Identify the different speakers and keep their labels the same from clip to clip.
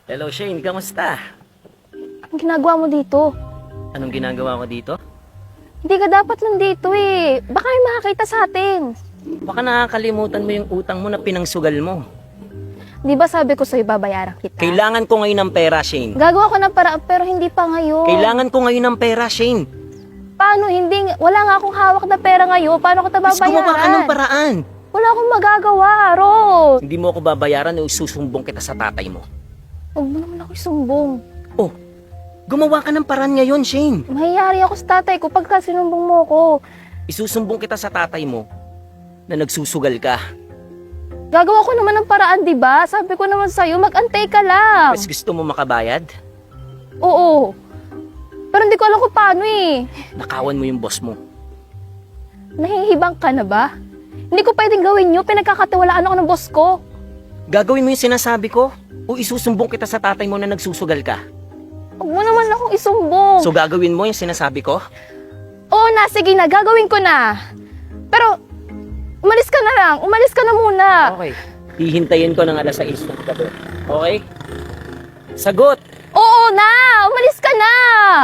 Speaker 1: Hello Shane, kamusta?
Speaker 2: Ang ginagawa mo dito?
Speaker 1: Anong ginagawa ko dito?
Speaker 2: Hindi ka dapat nandito eh. Baka may makakita sa atin.
Speaker 1: Baka nakakalimutan mo yung utang mo na pinangsugal mo.
Speaker 2: Di ba sabi ko sa'yo babayaran kita?
Speaker 1: Kailangan ko ngayon ng pera, Shane.
Speaker 2: Gagawa ko ng paraan pero hindi pa ngayon.
Speaker 1: Kailangan ko ngayon ng pera, Shane.
Speaker 2: Paano hindi? Wala nga akong hawak na pera ngayon. Paano ko ito
Speaker 1: Mas
Speaker 2: babayaran?
Speaker 1: gumawa ka ng paraan.
Speaker 2: Wala akong magagawa, Ros.
Speaker 1: Hindi mo ako babayaran o susumbong kita sa tatay mo.
Speaker 2: Huwag mo naman ako isumbong.
Speaker 1: Oh, gumawa ka ng paraan ngayon, Shane.
Speaker 2: Mahiyari ako sa tatay ko pagka sinumbong mo ko.
Speaker 1: Isusumbong kita sa tatay mo na nagsusugal ka.
Speaker 2: Gagawa ko naman ng paraan, di ba? Sabi ko naman sa'yo, mag-antay ka lang.
Speaker 1: Mas gusto mo makabayad?
Speaker 2: Oo. Pero hindi ko alam kung paano eh.
Speaker 1: Nakawan mo yung boss mo.
Speaker 2: Nahihibang ka na ba? Hindi ko pwedeng gawin yun. Pinagkakatiwalaan ako ng boss ko.
Speaker 1: Gagawin mo yung sinasabi ko o isusumbong kita sa tatay mo na nagsusugal ka?
Speaker 2: Huwag mo naman akong isumbong.
Speaker 1: So gagawin mo yung sinasabi ko?
Speaker 2: Oo na, sige na. Gagawin ko na. Pero, umalis ka na lang. Umalis ka na muna.
Speaker 1: Okay. Hihintayin ko ng alas 6 ng gabi. Okay? Sagot!
Speaker 2: Oo na! Umalis ka na!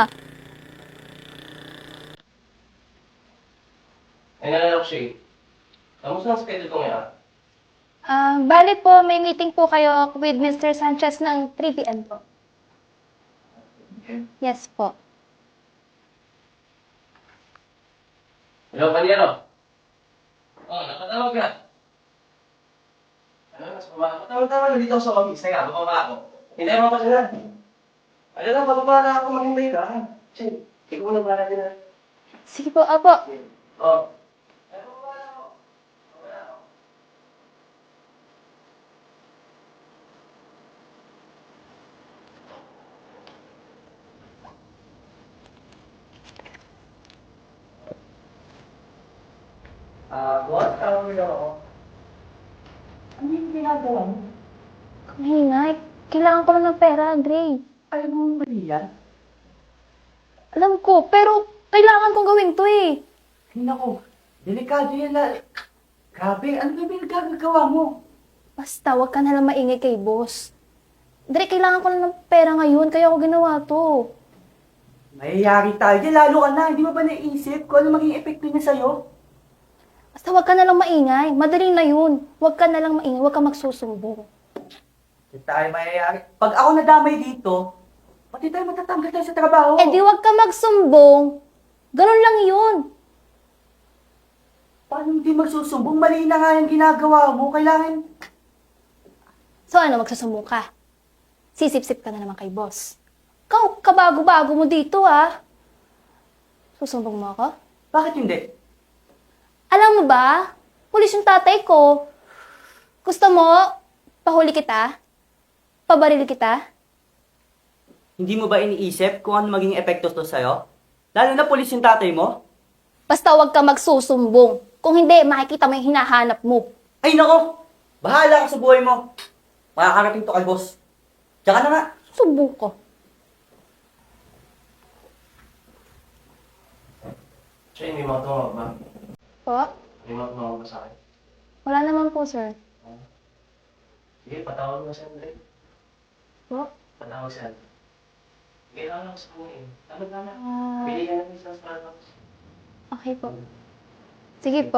Speaker 1: Ay, nalalak siya. Kamusta ang schedule ko ngayon?
Speaker 2: Bali po, may meeting po kayo with Mr. Sanchez ng 3 p.m. po. Yes po.
Speaker 1: Hello, Panyero. Oh, nakatawag ka. Ano, mas pababa. Tawag-tawag na dito ako sa office. Teka, bababa ako. Hintayin mo pa sila. Ano lang, bababa na ako. Maghintay ka. Sige, ikaw na ba natin na?
Speaker 2: Sige po, apo.
Speaker 1: Oh. Boss, tawag mo ako. Ano yung ginagawa mo?
Speaker 2: Kamingay. Kailangan ko lang ng pera, Andre.
Speaker 1: Ayaw mo mali yan?
Speaker 2: Alam ko, pero kailangan kong gawin to eh.
Speaker 1: Ay, naku. Delikado yan na. Grabe, ano ba yung gagagawa mo?
Speaker 2: Basta, wag ka na lang maingay kay boss. Andre, kailangan ko lang ng pera ngayon, kaya ako ginawa to.
Speaker 3: Mayayari tayo dyan, lalo ka na. Hindi mo ba naisip kung ano maging epekto niya sa'yo?
Speaker 2: Basta wag ka na lang maingay. Madali na yun. Wag ka na lang maingay. Wag ka magsusumbong.
Speaker 3: Hindi tayo mayayari. Pag ako nadamay dito, pati tayo matatanggal tayo sa trabaho.
Speaker 2: Eh di wag ka magsumbong. Ganun lang yun.
Speaker 3: Paano hindi magsusumbong? Mali na nga yung ginagawa mo. Kailangan...
Speaker 2: So ano, magsusumbong ka? Sisip-sip ka na naman kay boss. Ikaw, kabago-bago mo dito ah. Susumbong mo ako?
Speaker 3: Bakit hindi?
Speaker 2: Alam mo ba, pulis yung tatay ko. Gusto mo, pahuli kita? Pabaril kita?
Speaker 3: Hindi mo ba iniisip kung ano maging epekto to sa'yo? Lalo na pulis yung tatay mo?
Speaker 2: Basta wag ka magsusumbong. Kung hindi, makikita mo yung hinahanap mo.
Speaker 3: Ay nako! Bahala ka sa buhay mo. Makakarating to kay boss. Tsaka na nga.
Speaker 2: Sumbong ko.
Speaker 1: Siya, may mga tumawag ba?
Speaker 2: Po?
Speaker 1: May mga tumawag ba sa akin?
Speaker 2: Wala naman po, sir.
Speaker 1: Sige, patawag mo si Andre.
Speaker 2: Po?
Speaker 1: Patawag si Andre. Kailangan ako sa kanya eh. Tawag na na.
Speaker 2: Ah,
Speaker 1: Pili ka na ng isang Starbucks.
Speaker 2: okay po. Sige po.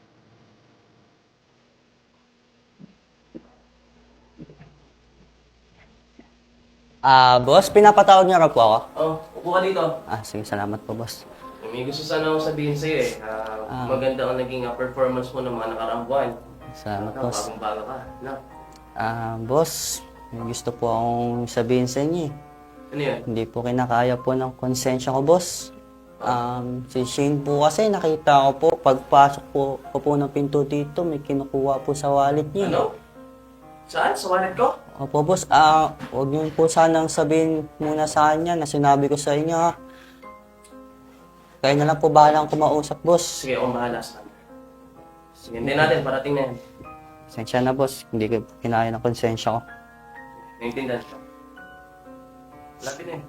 Speaker 3: Boss, pinapatawag niyo raw po ako.
Speaker 1: Oh, upo ka dito.
Speaker 3: Sige, salamat po, boss.
Speaker 1: May gusto sana akong sabihin sa'yo eh. Maganda ang naging performance mo ng mga nakaraang buwan.
Speaker 3: Salamat, boss.
Speaker 1: Bagong-bago ka. No?
Speaker 3: Boss, may gusto po akong sabihin sa inyo eh.
Speaker 1: Ano yun?
Speaker 3: Hindi po kinakaya po ng konsensya ko, boss. Si Shane po kasi nakita ko po, pagpasok ko po ng pinto dito, may kinukuha po sa wallet niya.
Speaker 1: Ano? Saan? Sa wallet ko?
Speaker 3: Opo, boss. Huwag niyo po sanang sabihin muna sa kanya na sinabi ko sa inyo, ha. Kaya na lang po bahalang kumausap, boss.
Speaker 1: Sige, akong bahala sa kanya. Sige, hindi natin. Parating na yan.
Speaker 3: Konsensya na, boss. Hindi ko kinaya ng konsensya ko.
Speaker 1: Naintindihan ko. Lapit na yan.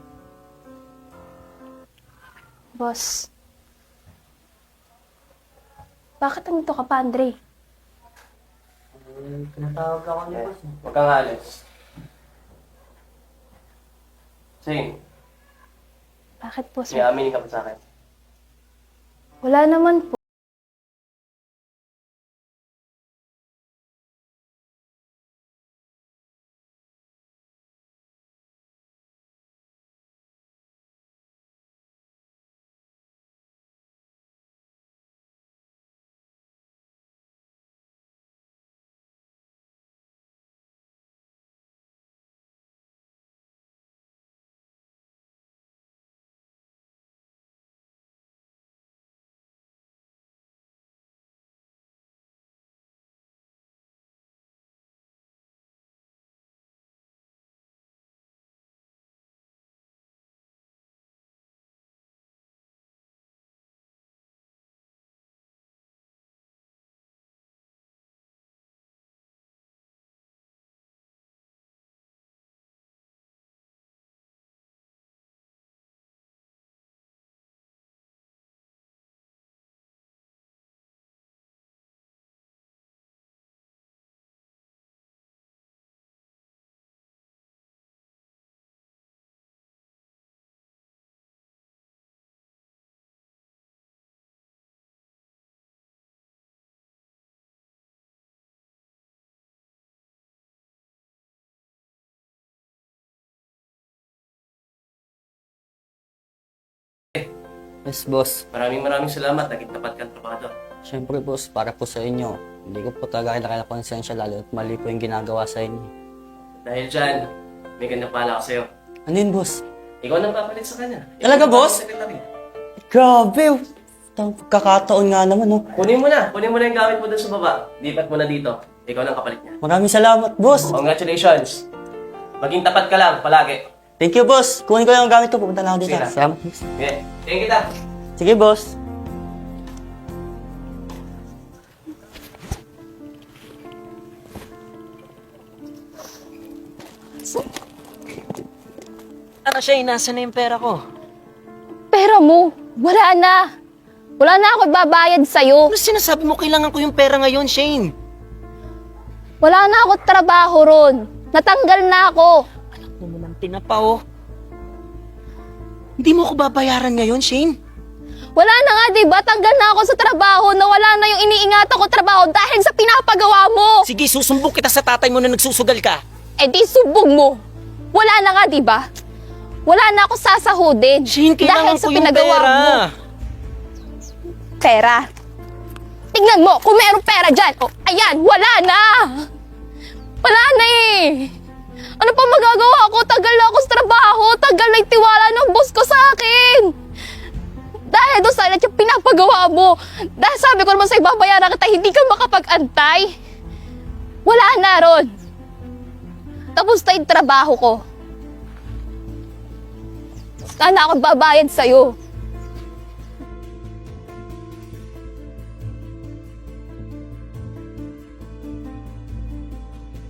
Speaker 2: Boss. Bakit nandito ka pa, Andre?
Speaker 3: Pinatawag ako niya, boss.
Speaker 1: Huwag kang alis. Shane,
Speaker 2: Bakit po,
Speaker 1: may
Speaker 2: sir?
Speaker 1: aminin ka ba sa akin?
Speaker 2: Wala naman po.
Speaker 3: Yes, boss.
Speaker 1: Maraming salamat. Naging tapat kang trabado.
Speaker 3: Siyempre, boss, para po sa inyo. Hindi ko po talaga kailangan konsensya lalo at mali po yung ginagawa sa inyo.
Speaker 1: Dahil dyan, may ganda pala ako sa'yo.
Speaker 3: Ano yun, boss?
Speaker 1: Ikaw nang papalit sa kanya.
Speaker 3: Talaga,
Speaker 1: Ikaw ang
Speaker 3: boss?
Speaker 1: secretary.
Speaker 3: Grabe! Kakataon nga naman, oh.
Speaker 1: Kunin mo na yung gamit mo dun sa baba. Lipat mo na dito. Ikaw nang kapalit niya.
Speaker 3: Maraming salamat, boss.
Speaker 1: Congratulations. Maging tapat ka lang, palagi.
Speaker 3: Thank you, boss. Kunin ko lang ang gamit ko. Pupunta na ako dito.
Speaker 1: Sige na.
Speaker 3: Salamat, boss.
Speaker 1: Okay. Tingin kita.
Speaker 3: Sige, boss.
Speaker 4: Ano siya, nasa na yung pera ko?
Speaker 2: Pera mo, wala na. Wala na ako babayad sa'yo.
Speaker 4: Ano sinasabi mo, kailangan ko yung pera ngayon, Shane?
Speaker 2: Wala na ako trabaho ron. Natanggal na ako.
Speaker 4: Anak mo naman tinapa, oh. Hindi mo ako babayaran ngayon, Shane?
Speaker 2: Wala na nga, diba? Tanggal na ako sa trabaho na wala na yung iniingatan ko trabaho dahil sa pinapagawa mo.
Speaker 4: Sige, susumbong kita sa tatay mo na nagsusugal ka.
Speaker 2: Eh di subog mo. Wala na nga, diba? Wala na ako sasahudin
Speaker 4: Shane,
Speaker 2: dahil
Speaker 4: kailangan
Speaker 2: sa
Speaker 4: ko yung
Speaker 2: pinagawa
Speaker 4: pera.
Speaker 2: mo. Pera? Tingnan mo, kung mayroong pera dyan. Oh, ayan, wala na. Wala na eh. Ano pa magagawa ko? Tagal na ako sa trabaho. Tagal na yung tiwala ng boss ko sa akin. Dahil doon sa yung pinapagawa mo. Dahil sabi ko naman sa ibabayaran kita, hindi ka makapag-antay. Wala na ron. Tapos na yung trabaho ko. Sana ako babayad sa'yo.